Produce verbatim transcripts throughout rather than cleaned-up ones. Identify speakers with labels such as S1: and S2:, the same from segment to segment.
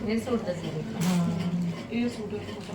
S1: ਇਹ ਸੂਟ ਦਾ ਸੀ
S2: ਹਾਂ ਇਹ ਸੂਟ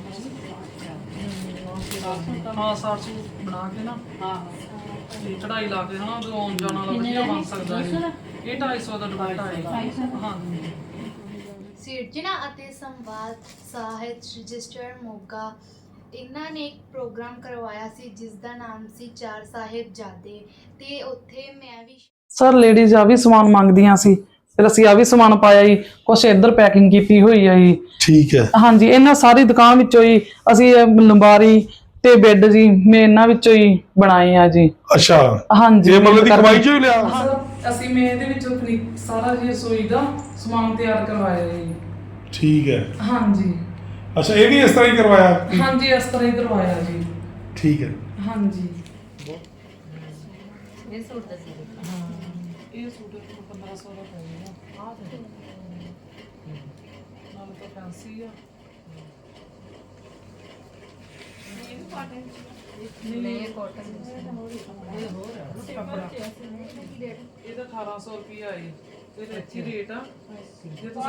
S2: ਹਾਂ ਸਾਰ ਸੂਟ ਬਣਾ ਕੇ ਨਾ ਹਾਂ ਤੇ ਚੜਾਈ ਲਾ ਕੇ ਹਨਾ ਉਹ ਆਉਣ ਜਾਣ ਵਾਲਾ ਵਧੀਆ ਬਣ ਸਕਦਾ ਹੈ। ਇਹ ਢਾਈ ਸੌ ਦਾ ਦੁਪੱਟਾ ਹੈ। ਹਾਂ
S3: ਸਿਰਜਣਾ ਅਤੇ ਸੰਵਾਦ ਸਾਹਿਤ ਰਜਿਸਟਰ ਮੋਗਾ ਇਹਨਾਂ ਨੇ ਇੱਕ ਪ੍ਰੋਗਰਾਮ ਕਰਵਾਇਆ ਸੀ ਜਿਸ ਦਾ ਨਾਮ ਸੀ ਚਾਰ ਸਾਹਿਬਜ਼ਾਦੇ ਤੇ ਉੱਥੇ ਮੈਂ ਵੀ
S2: ਸਰ ਲੇਡੀਜ਼ ਆ ਵੀ ਸਮਾਨ ਮੰਗਦੀਆਂ ਸੀ ਫਿਰ ਅਸੀਂ ਆ ਵੀ ਸਮਾਨ ਪਾਇਆ ਜੀ ਕੁਛ ਇੱਧਰ ਪੈਕਿੰਗ ਕੀਤੀ ਹੋਈ ਹੈ ਜੀ।
S4: ਠੀਕ ਹੈ
S2: ਹਾਂਜੀ ਇਹਨਾਂ ਸਾਰੀ ਦੁਕਾਨ ਵਿੱਚੋਂ ਹੀ ਅਸੀਂ ਇਹ ਲੰਬਾਰੀ ਤੇ ਬੈੱਡ ਜੀ ਮੈਂ ਇਹਨਾਂ ਵਿੱਚੋਂ ਹੀ ਬਣਾਏ ਆ ਜੀ।
S4: ਅੱਛਾ
S2: ਹਾਂਜੀ
S4: ਇਹ ਮਤਲਬ ਦੀ ਕਮਾਈ ਚੋਂ ਹੀ ਲਿਆ।
S2: ਹਾਂ ਅਸੀਂ ਮੈਂ ਇਹਦੇ ਵਿੱਚੋਂ ਫਨੀ- ਸਾਰਾ ਜੀ ਰਸੋਈ ਦਾ ਸਮਾਨ ਤਿਆਰ ਕਰਵਾਇਆ ਜੀ।
S4: ਠੀਕ ਹੈ
S2: ਹਾਂਜੀ
S4: ਅੱਛਾ ਇਹ ਵੀ ਇਸ ਤਰ੍ਹਾਂ ਹੀ ਕਰਵਾਇਆ।
S2: ਹਾਂਜੀ ਇਸ ਤਰ੍ਹਾਂ ਹੀ ਕਰਵਾਇਆ ਜੀ।
S4: ਠੀਕ ਹੈ
S2: ਹਾਂਜੀ
S1: ਇਹ ਸੂਟ ਦਾ ਸੀ
S2: ਹਾਂ ਇਹ ਸੂਟ ਪੰਦਰਾਂ ਸੌ ਦਾ ਪਏਗਾ ਆਹ ਤੇ ਨਾਲ ਤਾਂ ਫੈਂਸੀ ਆ
S1: ਨਹੀਂ ਕਾਟਨ ਇਹ ਹੋਰ
S2: ਕੱਪੜਾ ਇਹਦਾ ਅਠਾਰਾਂ ਸੌ ਰੁਪਇਆ ਹੈ ਇਹਦਾ ਅੱਛੀ ਰੇਟ ਆ ਜੇ ਤੁਸੀਂ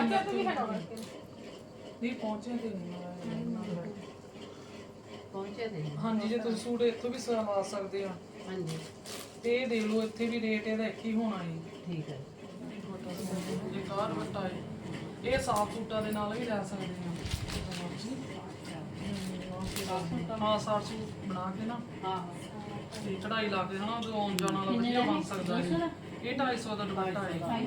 S2: ਨਹੀਂ ਪਹੁੰਚੇ ਤੇ ਨਹੀਂ
S1: ਪਹੁੰਚੇ ਤੇ
S2: ਹਾਂਜੀ ਜੇ ਤੁਸੀਂ ਸੂਟ ਇੱਥੋਂ ਵੀ ਸਵਾ ਸਕਦੇ ਆ
S1: ਹਾਂਜੀ
S2: ਤੇ ਇਹ ਦੇਖ ਲਓ ਇੱਥੇ ਵੀ ਰੇਟ ਇਹਦਾ ਇੱਕ ਹੀ ਹੋਣਾ ਹੈ।
S1: ਠੀਕ ਹੈ
S2: ਇਹ ਕਾਰ ਵੱਟਾ ਹੈ ਇਹ ਸਾਫ ਸੂਟਾਂ ਦੇ ਨਾਲ ਵੀ ਲੈ ਸਕਦੇ ਆ ਹਾਂ ਸਾਫ ਸੂਟ ਬਣਾ ਕੇ ਨਾ ਹਾਂ ਤੇ ਚੜਾਈ ਲਾ ਕੇ ਹਨਾ ਉਹ ਆਉਣ ਜਾਣ ਵਾਲਾ ਵਧੀਆ ਬਣ ਸਕਦਾ ਹੈ। ਇਹ ਢਾਈ ਸੌ ਦਾ ਦੁਪੱਟਾ ਹੈ। ਹਾਂ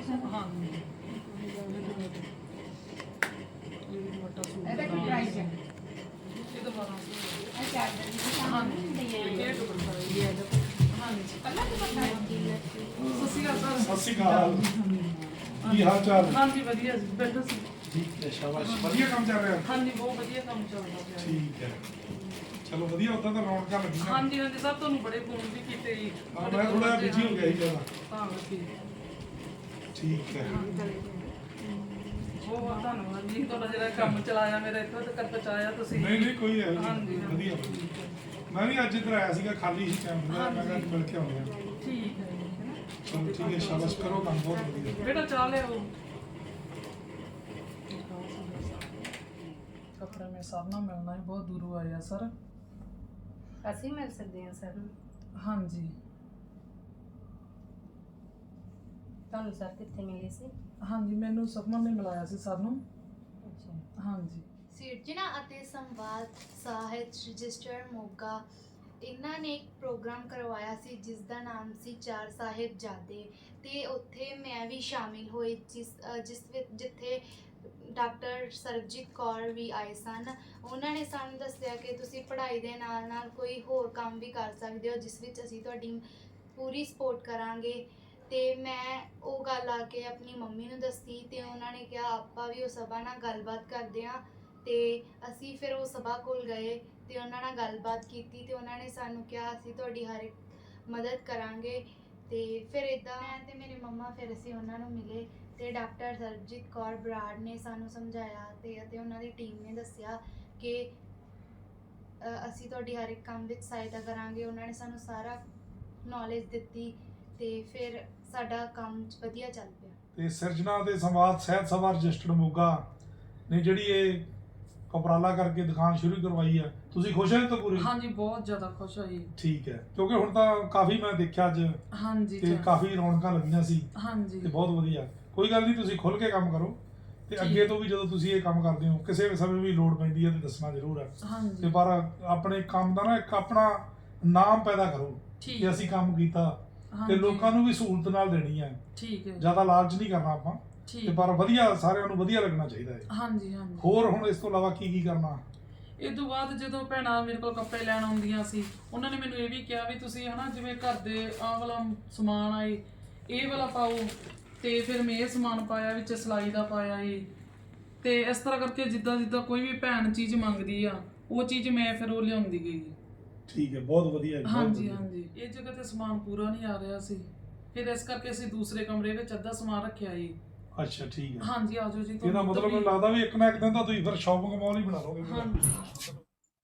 S2: ਇਹ ਦੁਪੱਟਾ ਸੂਟ ਇਹਦਾ ਕੀ ਪ੍ਰਾਈਸ ਹੈ? ਇਹ ਤਾਂ ਬਾਰਾਂ ਸੌ ਹਾਂ ਇਹ ਦੁਪੱਟਾ ਹੈ ਹਾਂਜੀ ਕੱਲਾ ਦੁਪੱਟਾ ਹੈ। ਸਸੀ ਆ ਸਰ
S4: ਸਤਿ ਸ਼੍ਰੀ ਅਕਾਲ ਕੀ ਹਾਲ ਚਾਲ।
S2: ਹਾਂਜੀ ਵਧੀਆ ਜੀ ਬੈਠੋ ਸੀ।
S4: ਠੀਕ ਹੈ ਸ਼ਾਬਾਸ਼ ਵਧੀਆ ਕੰਮ ਚੱਲ ਰਿਹਾ।
S2: ਹਾਂਜੀ ਬਹੁਤ ਵਧੀਆ ਕੰਮ ਚੱਲਦਾ ਪਿਆ।
S4: ਠੀਕ ਹੈ ਚਲੋ ਵਧੀਆ ਉਦਾਂ ਤਾਂ ਰੌਣਕਾਂ ਲੱਗੀਆਂ।
S2: ਹਾਂਜੀ ਹਾਂਜੀ ਸਰ ਤੁਹਾਨੂੰ ਬੜੇ ਫੋਨ ਵੀ ਕੀਤੇ ਜੀ।
S4: ਹਾਂ, ਮੈਂ ਥੋੜਾ ਬਿਜੀ ਹੋ ਗਿਆ ਸੀ ਜਿਆਦਾ।
S2: ਤਾਂ ਕਰਕੇ
S4: ਠੀਕ ਹੈ
S2: ਬਹੁਤ ਬਹੁਤ ਧੰਨਵਾਦ ਜੀ ਤੁਹਾਡਾ ਜਿਹੜਾ ਕੰਮ ਚਲਾਇਆ ਮੇਰਾ ਇੱਥੋਂ ਤੱਕ ਪਹੁੰਚਾਇਆ ਤੁਸੀਂ।
S4: ਨਹੀਂ ਨਹੀਂ ਕੋਈ ਹੈ
S2: ਹਾਂਜੀ
S4: ਵਧੀਆ ਮੈਂ ਵੀ ਅੱਜ ਇੱਧਰ ਆਇਆ ਸੀਗਾ ਖਾਲੀ ਸੀ ਟਾਈਮ ਦਾ ਮੈਂ ਕਿਹਾ ਅੱਜ ਮਿਲ ਕੇ ਆਉਂਦੇ ਹਾਂ।
S2: ਠੀਕ ਹੈ ਜੀ।
S4: ਚਲੋ ਠੀਕ ਹੈ ਸ਼ਾਬਾਸ਼ ਕਰੋ ਕੰਮ ਬਹੁਤ ਵਧੀਆ।
S2: ਬੇਟਾ ਚਾਹ ਲਿਆਓ ਕੱਪੜਾ ਮੈਂ ਸਭ ਨਾਲ ਮਿਲਣਾ ਹੈ ਬਹੁਤ ਦੂਰੋਂ ਆਇਆ ਸਰ।
S1: ਅਸੀਂ ਮਿਲ ਸਕਦੇ ਹਾਂ ਸਰ
S2: ਹਾਂਜੀ
S1: ਤੁਹਾਨੂੰ ਸਰ ਕਿੱਥੇ ਮਿਲੇ ਸੀ?
S2: ਹਾਂਜੀ ਮੈਨੂੰ ਸਪਮਨ ਨੇ ਮਿਲਾਇਆ ਸੀ ਸਰ ਨੂੰ।
S1: ਅੱਛਾ
S2: ਹਾਂਜੀ
S3: ਸਿਰਜਣਾ ਅਤੇ ਸੰਵਾਦ ਸਾਹਿਤ ਰਜਿਸਟਰ ਮੋਗਾ ਇਹਨਾਂ ਨੇ ਇੱਕ ਪ੍ਰੋਗਰਾਮ ਕਰਵਾਇਆ ਸੀ ਜਿਸ ਦਾ ਨਾਮ ਸੀ ਚਾਰ ਸਾਹਿਬਜ਼ਾਦੇ ਤੇ ਉੱਥੇ ਮੈਂ ਵੀ ਸ਼ਾਮਿਲ ਹੋਈ ਜਿਸ ਅ, ਜਿਸ ਵਿੱਚ ਜਿੱਥੇ ਡਾਕਟਰ ਸਰਬਜੀਤ ਕੌਰ ਵੀ ਆਏ ਸਨ। ਉਹਨਾਂ ਨੇ ਸਾਨੂੰ ਦੱਸਿਆ ਕਿ ਤੁਸੀਂ ਪੜ੍ਹਾਈ ਦੇ ਨਾਲ ਨਾਲ ਕੋਈ ਹੋਰ ਕੰਮ ਵੀ ਕਰ ਸਕਦੇ ਹੋ ਜਿਸ ਵਿੱਚ ਅਸੀਂ ਤੁਹਾਡੀ ਪੂਰੀ ਸਪੋਰਟ ਕਰਾਂਗੇ। ਤੇ ਮੈਂ ਉਹ ਗੱਲ ਆ ਕੇ ਆਪਣੀ ਮੰਮੀ ਨੂੰ ਦੱਸੀ ਤੇ ਉਹਨਾਂ ਨੇ ਕਿਹਾ ਆਪਾਂ ਵੀ ਉਹ ਸਭਾ ਨਾਲ ਗੱਲਬਾਤ ਕਰਦੇ ਹਾਂ। ਤੇ ਅਸੀਂ ਫਿਰ ਉਹ ਸਭਾ ਕੋਲ ਗਏ ਤੇ ਉਹਨਾਂ ਨਾਲ ਗੱਲਬਾਤ ਕੀਤੀ ਤੇ ਉਹਨਾਂ ਨੇ ਸਾਨੂੰ ਕਿਹਾ ਅਸੀਂ ਤੁਹਾਡੀ ਹਰ ਇੱਕ ਮਦਦ ਕਰਾਂਗੇ। ਤੇ ਫਿਰ ਇੱਦਾਂ ਮੈਂ ਤੇ ਮੇਰੇ ਮੰਮਾ ਫਿਰ ਅਸੀਂ ਉਹਨਾਂ ਨੂੰ ਮਿਲੇ ਤੇ ਡਾਕਟਰ ਸਰਬਜੀਤ ਕੌਰ ਬਰਾੜ ਨੇ ਸਾਨੂੰ ਸਮਝਾਇਆ ਤੇ ਅਤੇ ਉਹਨਾਂ ਦੀ ਟੀਮ ਨੇ ਦੱਸਿਆ ਕਿ ਅ, ਅਸੀਂ ਤੁਹਾਡੀ ਹਰ ਇੱਕ ਕੰਮ ਵਿੱਚ ਸਹਾਇਤਾ ਕਰਾਂਗੇ। ਉਹਨਾਂ ਨੇ ਸਾਨੂੰ ਸਾਰਾ ਨੌਲੇਜ ਦਿੱਤੀ ਤੇ ਫਿਰ ਸਾਡਾ ਕੰਮ ਵਧੀਆ ਚੱਲ ਪਿਆ।
S4: ਤੇ ਸਿਰਜਣਾ ਤੇ ਸੰਵਾਦ ਸਾਹਿਤ ਸਭਾ ਰਜਿਸਟਰਡ ਮੋਗਾ ਨੇ ਜਿਹੜੀ ਇਹ ਉਪਰਾਲਾ ਕਰਕੇ ਦੁਕਾਨ ਸ਼ੁਰੂ ਕਰਵਾਈ ਆ ਤੁਸੀਂ ਖੁਸ਼ ਹੋ ਤਾਂ ਪੂਰੀ?
S2: ਹਾਂਜੀ ਬਹੁਤ ਜ਼ਿਆਦਾ ਖੁਸ਼ ਹੋਈ।
S4: ਠੀਕ ਹੈ ਕਿਉਂਕਿ ਹੁਣ ਤਾਂ ਕਾਫੀ ਮੈਂ ਦੇਖਿਆ ਅੱਜ
S2: ਹਾਂਜੀ
S4: ਤੇ
S2: ਚਲੋ।
S4: ਕਾਫੀ ਰੌਣਕਾਂ ਲੱਗੀਆਂ ਸੀ
S2: ਹਾਂਜੀ
S4: ਤੇ ਬਹੁਤ ਵਧੀਆ। ਕੋਈ ਗੱਲ ਨਹੀਂ ਤੁਸੀਂ ਖੁੱਲ ਕੇ ਕੰਮ ਕਰੋ ਤੇ
S2: ਠੀਕ।
S4: ਅੱਗੇ ਤੋਂ ਵੀ ਜਦੋਂ ਤੁਸੀਂ ਇਹ ਕੰਮ ਕਰਦੇ ਹੋ ਕਿਸੇ ਵੀ ਸਮੇਂ ਵੀ ਲੋੜ ਪੈਂਦੀ ਹੈ ਤੇ ਦੱਸਣਾ ਜ਼ਰੂਰ ਹੈ। ਤੇ
S2: ਹਾਂਜੀ
S4: ਪਰ ਆਪਣੇ ਕੰਮ ਦਾ ਨਾ ਇੱਕ ਆਪਣਾ ਨਾਮ ਪੈਦਾ ਕਰੋ
S2: ਠੀਕ
S4: ਕਿ ਅਸੀਂ ਕੰਮ ਕੀਤਾ ਤੇ
S2: ਹਾਂਜੀ,
S4: ਲੋਕਾਂ ਨੂੰ ਵੀ ਸਹੂਲਤ ਨਾਲ ਦੇਣੀ ਹੈ।
S2: ਠੀਕ ਹੈ
S4: ਜ਼ਿਆਦਾ ਲਾਲਚ ਨਹੀਂ ਕਰਨਾ ਆਪਾਂ ਤੇ
S2: ਠੀਕ
S4: ਪਰ ਵਧੀਆ ਸਾਰਿਆਂ ਨੂੰ ਵਧੀਆ ਲੱਗਣਾ ਚਾਹੀਦਾ ਹੈ।
S2: ਹਾਂਜੀ ਹਾਂਜੀ
S4: ਹੋਰ ਹੁਣ ਇਸ ਤੋਂ ਇਲਾਵਾ ਕੀ ਕੀ ਕਰਨਾ?
S2: ਇਹ ਤੋਂ ਬਾਅਦ ਜਦੋਂ ਭੈਣਾਂ ਮੇਰੇ ਕੋਲ ਕੱਪੜੇ ਲੈਣ ਆਉਂਦੀਆਂ ਸੀ ਉਹਨਾਂ ਨੇ ਮੈਨੂੰ ਇਹ ਵੀ ਕਿਹਾ ਵੀ ਤੁਸੀਂ ਹਨਾ ਜਿਵੇਂ ਘਰ ਦੇ ਆਹ ਵਾਲਾ ਸਮਾਨ ਆਏ ਇਹ ਵਾਲਾ ਪਾਓ ਤੇ ਫਿਰ ਮੈਂ ਇਹ ਸਮਾਨ ਪਾਇਆ ਵਿੱਚ ਸਿਲਾਈ ਦਾ ਪਾਇਆ ਏ ਤੇ ਇਸ ਤਰ੍ਹਾਂ ਕਰਕੇ ਜਿੱਦਾਂ ਜਿੱਦਾਂ ਕੋਈ ਵੀ ਭੈਣ ਚੀਜ਼ ਮੰਗਦੀ ਆ ਉਹ ਚੀਜ਼ ਮੈਂ ਫਿਰ ਉਹ ਲਿਆਉਂਦੀ ਗਈ।
S4: ਠੀਕ ਹੈ ਬਹੁਤ ਵਧੀਆ ਜੀ, ਬਹੁਤ
S2: ਹਾਂਜੀ
S4: ਵਧੀਆ।
S2: ਹਾਂਜੀ ਇਹ ਜਗ੍ਹਾ ਤੇ ਸਮਾਨ ਪੂਰਾ ਨਹੀਂ ਆ ਰਿਹਾ ਸੀ ਫਿਰ ਇਸ ਕਰਕੇ ਅਸੀਂ ਦੂਸਰੇ ਕਮਰੇ ਵਿੱਚ ਅੱਧਾ ਸਮਾਨ ਰੱਖਿਆ ਏ।
S4: ਅੱਛਾ ਠੀਕ ਹੈ
S2: ਹਾਂਜੀ ਆਜੋ ਜੀ
S4: ਇਹਦਾ
S2: ਤੁਹਾਨੂੰ
S4: ਮਤਲਬ
S2: ਤਸਵੀਰ-
S4: ਮੈਨੂੰ ਲੱਗਦਾ ਵੀ ਇੱਕ ਨਾ ਇੱਕ ਦਿਨ ਤਾਂ ਤੁਸੀਂ ਫਿਰ ਸ਼ਾਪਿੰਗ ਮਾਲ ਹੀ ਬਣਾ ਲਓਗੇ।
S2: ਹਾਂਜੀ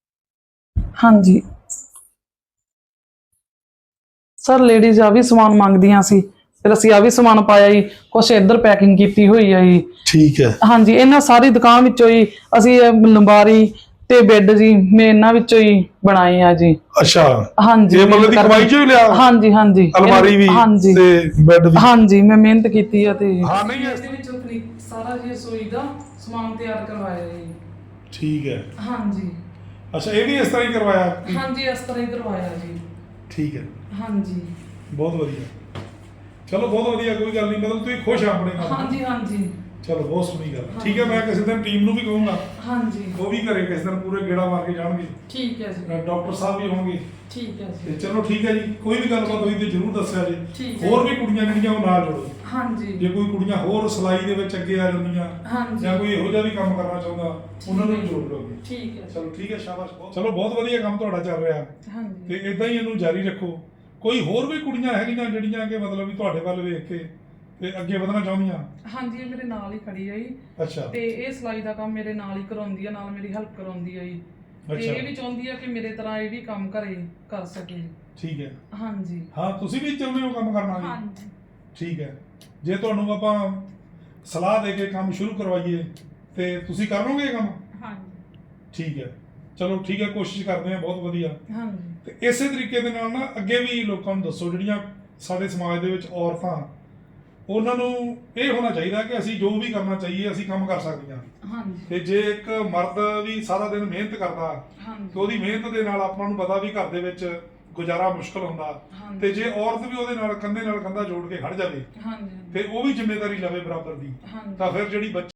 S2: ਹਾਂਜੀ ਸਰ ਲੇਡੀਜ਼ ਆ ਵੀ ਸਮਾਨ ਮੰਗਦੀਆਂ ਸੀ ਫਿਰ ਅਸੀਂ ਆ ਵੀ ਸਮਾਨ ਪਾਇਆ ਜੀ, ਕੁਛ ਇੱਧਰ ਪੈਕਿੰਗ ਕੀਤੀ ਹੋਈ ਆ ਜੀ।
S4: ਠੀਕ ਹੈ।
S2: ਹਾਂਜੀ, ਇਹਨਾਂ ਸਾਰੀ ਦੁਕਾਨ ਵਿੱਚੋਂ ਹੀ ਅਸੀਂ ਇਹ ਲੰਬਾਰੀ ਤੇ ਬੈੱਡ ਜੀ ਮੈਂ ਇਹਨਾਂ ਵਿੱਚੋਂ ਹੀ ਬਣਾਏ ਆ ਜੀ।
S4: ਅੱਛਾ,
S2: ਹਾਂਜੀ,
S4: ਇਹ ਮਤਲਬ ਦੀ ਕਮਾਈ ਚੋਂ ਹੀ ਲਿਆ?
S2: ਹਾਂਜੀ ਹਾਂਜੀ,
S4: ਅਲਮਾਰੀ ਵੀ
S2: ਹਾਂਜੀ
S4: ਤੇ ਬੈੱਡ ਵੀ?
S2: ਹਾਂਜੀ, ਮੈਂ ਮਿਹਨਤ ਕੀਤੀ ਆ ਤੇ
S4: ਹਾਂ ਨਹੀਂ ਹੈ।
S2: ਇਹਦੇ ਵਿੱਚੋਂ ਫਨੀ ਸਾਰਾ ਜੀ ਰਸੋਈ ਦਾ ਸਮਾਨ ਤਿਆਰ ਕਰਵਾਇਆ ਜੀ।
S4: ਠੀਕ ਹੈ।
S2: ਹਾਂਜੀ
S4: ਅੱਛਾ, ਇਹ ਵੀ ਇਸ ਤਰ੍ਹਾਂ ਹੀ ਕਰਵਾਇਆ?
S2: ਹਾਂਜੀ, ਇਸ ਤਰ੍ਹਾਂ ਹੀ ਕਰਵਾਇਆ ਜੀ।
S4: ਠੀਕ ਹੈ,
S2: ਹਾਂਜੀ
S4: ਬਹੁਤ ਵਧੀਆ। ਚਲੋ ਬਹੁਤ ਵਧੀਆ, ਕੋਈ ਗੱਲ ਨਹੀਂ, ਮਤਲਬ ਤੁਸੀਂ ਖੁਸ਼ ਆ ਆਪਣੇ ਕੰਮ?
S2: ਹਾਂਜੀ ਹਾਂਜੀ।
S4: ਚਲੋ ਬਹੁਤ ਸੋਹਣੀ ਗੱਲ। ਠੀਕ ਹੈ, ਮੈਂ ਕਿਸੇ ਦਿਨ ਟੀਮ ਨੂੰ ਵੀ ਕਹੂੰਗਾ
S2: ਹਾਂਜੀ,
S4: ਉਹ ਵੀ ਘਰੇ ਕਿਸੇ ਦਿਨ ਪੂਰੇ ਗੇੜਾ ਮਾਰ ਕੇ ਜਾਣਗੇ।
S2: ਠੀਕ ਹੈ ਜੀ।
S4: ਡਾਕਟਰ ਸਾਹਿਬ ਵੀ ਹੋਣਗੇ।
S2: ਠੀਕ ਹੈ
S4: ਤੇ
S2: ਜੀ।
S4: ਚਲੋ ਠੀਕ ਹੈ ਜੀ, ਕੋਈ ਵੀ ਗੱਲਬਾਤ ਹੋਈ ਤੇ ਜ਼ਰੂਰ ਦੱਸਿਆ ਜੀ।
S2: ਠੀਕ ਹੈ।
S4: ਹੋਰ ਵੀ ਕੁੜੀਆਂ ਜਿਹੜੀਆਂ ਉਹ ਨਾਲ ਜੋੜੋ।
S2: ਹਾਂਜੀ
S4: ਜੇ ਕੋਈ ਕੁੜੀਆਂ ਹੋਰ ਸਿਲਾਈ ਦੇ ਵਿੱਚ ਅੱਗੇ ਆ ਜਾਂਦੀਆਂ
S2: ਹਾਂਜੀ,
S4: ਜਾਂ ਕੋਈ ਇਹੋ ਜਿਹਾ ਵੀ ਕੰਮ ਕਰਨਾ ਚਾਹੁੰਦਾ ਉਹਨਾਂ ਨੂੰ ਵੀ ਜੋੜ ਲਓਗੇ।
S2: ਠੀਕ ਹੈ।
S4: ਚਲੋ ਠੀਕ ਹੈ, ਸ਼ਾਬਾਸ਼। ਬਹੁਤ ਚਲੋ ਬਹੁਤ ਵਧੀਆ ਕੰਮ ਤੁਹਾਡਾ ਚੱਲ ਰਿਹਾ
S2: ਹਾਂਜੀ
S4: ਤੇ ਇਦਾਂ ਹੀ ਇਹਨੂੰ ਜਾਰੀ ਰੱਖੋ। ਕੋਈ ਹੋਰ ਵੀ ਕੁੜੀਆਂ ਹੈਗੀਆਂ ਜਿਹੜੀਆਂ ਕਿ ਮਤਲਬ ਵੀ ਤੁਹਾਡੇ ਵੱਲ ਵੇਖ ਕੇ ਤੇ ਅੱਗੇ ਵਧਣਾ ਚਾਹੁੰਦੀਆਂ?
S2: ਹਾਂਜੀ, ਇਹ ਮੇਰੇ ਨਾਲ ਹੀ ਖੜੀ ਹੈ ਜੀ।
S4: ਅੱਛਾ
S2: ਤੇ ਇਹ ਸਿਲਾਈ ਦਾ ਕੰਮ ਮੇਰੇ ਨਾਲ ਹੀ ਕਰਾਉਂਦੀ ਆ, ਨਾਲ ਮੇਰੀ ਹੈਲਪ ਕਰਾਉਂਦੀ ਆ ਜੀ। ਤੇ
S4: ਅੱਛਾ।
S2: ਇਹ ਵੀ ਚਾਹੁੰਦੀ ਆ ਕਿ ਮੇਰੇ ਤਰ੍ਹਾਂ ਇਹ ਵੀ ਕੰਮ ਘਰੇ ਕਰ ਸਕੇ।
S4: ਠੀਕ ਹੈ।
S2: ਹਾਂਜੀ
S4: ਹਾਂ, ਤੁਸੀਂ ਵੀ ਚਾਹੁੰਦੇ ਹੋ ਕੰਮ ਕਰਨਾ ਜੀ?
S2: ਹਾਂਜੀ
S4: ਠੀਕ ਹੈ। ਜੇ ਤੁਹਾਨੂੰ ਆਪਾਂ ਸਲਾਹ ਦੇ ਕੇ ਕੰਮ ਸ਼ੁਰੂ ਕਰਵਾਈਏ ਤੇ ਤੁਸੀਂ ਕਰ ਲਓਗੇ ਇਹ ਕੰਮ?
S2: ਹਾਂਜੀ
S4: ਠੀਕ ਹੈ, ਚਲੋ ਠੀਕ ਹੈ, ਕੋਸ਼ਿਸ਼ ਕਰਦੇ ਹਾਂ। ਬਹੁਤ ਵਧੀਆ।
S2: ਹਾਂਜੀ
S4: ਤੇ ਇਸੇ ਤਰੀਕੇ ਦੇ ਨਾਲ ਨਾ ਅੱਗੇ ਵੀ ਲੋਕਾਂ ਨੂੰ ਦੱਸੋ, ਜਿਹੜੀਆਂ ਸਾਡੇ ਸਮਾਜ ਦੇ ਵਿੱਚ ਔਰਤਾਂ, ਉਹਨਾਂ ਨੂੰ ਇਹ ਹੋਣਾ ਚਾਹੀਦਾ ਕਿ ਅਸੀਂ ਜੋ ਵੀ ਕਰਨਾ ਚਾਹੀਏ ਅਸੀਂ ਕੰਮ ਕਰ ਸਕਦੀਆਂ।
S2: ਹਾਂਜੀ
S4: ਤੇ ਜੇ ਇੱਕ ਮਰਦ ਵੀ ਸਾਰਾ ਦਿਨ ਮਿਹਨਤ ਕਰਦਾ
S2: ਹਾਂਜੀ
S4: ਤੇ ਉਹਦੀ ਮਿਹਨਤ ਦੇ ਨਾਲ ਆਪਾਂ ਨੂੰ ਪਤਾ ਵੀ ਘਰ ਦੇ ਵਿੱਚ ਗੁਜ਼ਾਰਾ ਮੁਸ਼ਕਲ ਹੁੰਦਾ,
S2: ਹਾਂਜੀ।
S4: ਤੇ ਜੇ ਔਰਤ ਵੀ ਉਹਦੇ ਨਾਲ ਕੰਧੇ ਨਾਲ ਕੰਧਾ ਜੋੜ ਕੇ ਖੜ ਜਾਵੇ
S2: ਹਾਂਜੀ
S4: ਤੇ ਉਹ ਵੀ ਜ਼ਿੰਮੇਵਾਰੀ ਲਵੇ ਬਰਾਬਰ ਦੀ,
S2: ਹਾਂਜੀ
S4: ਤਾਂ ਫਿਰ ਜਿਹੜੀ ਬੱਚੀ